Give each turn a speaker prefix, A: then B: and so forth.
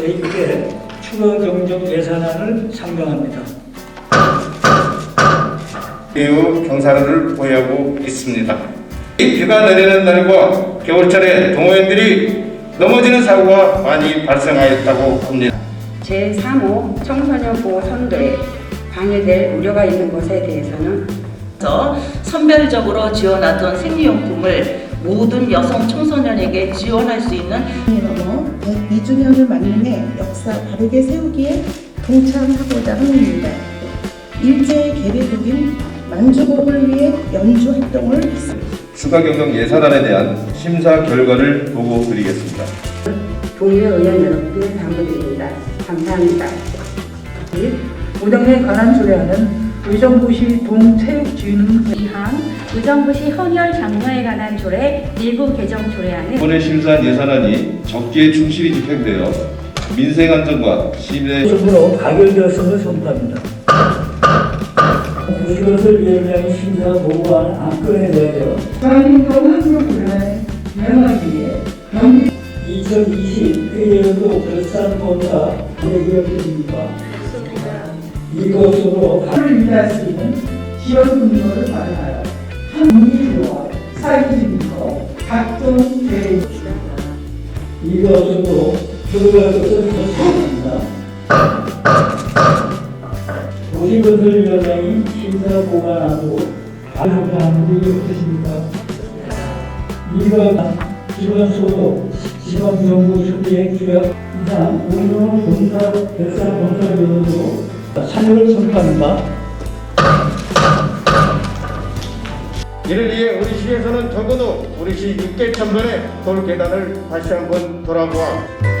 A: 제1회 추가 경정 예산안을 상정합니다.
B: 이후 경사로를 보유하고 있습니다. 비가 내리는 날과 겨울철에 동호인들이 넘어지는 사고가 많이 발생하였다고 합니다.
C: 제3호 청소년 보호 선도에 방해될 우려가 있는 것에 대해서는
D: 선별적으로 지원하던 생리용품을 모든 여성 청소년에게 지원할 수 있는
E: 넘어 102주년을 맞는 역사 바르게 세우기에 동참하고자 합니다. 일제의 계획국인 만주곡을 위해 연주 활동을 했습니다.
B: 추가 경정 예산안에 대한 심사 결과를 보고 드리겠습니다.
C: 동료 의원 여러분께 당부드립니다. 감사합니다.
F: 우정에 관한 조례안은 의정부시 동체육진흥회
G: 의정부시 헌혈 장려에 관한 조례 일부 개정 조례안은
B: 이번에 심사한 예산안이 적기에 충실히 집행되어 민생 안전과 시민의
A: 으로 가결되었음을 선포합니다. 국회의원위원장이 심사 보고한 안건에 대하여
F: 대한민국 한국문화의 명하기 위해
A: 2020 회계연도 결산본사 대기업입니다. 이것으로
F: 를 유지할 수 있는 지원 근거를 마련하여 한국민과 사회주의와 각종 대외
A: 이것으로 들어갈 것을 결정합니다. 도시건설위원장이 심사 보관하고 발표한 분이 없으십니까? 이거 기본소득, 지방정부 수비의 규약 이상 운용 본사 결산 본사위원으로 참여를 선포합니다.
B: 이를 위해 우리 시에서는 적어도 우리 시 6개 천변의 돌 계단을 다시 한번 돌아보아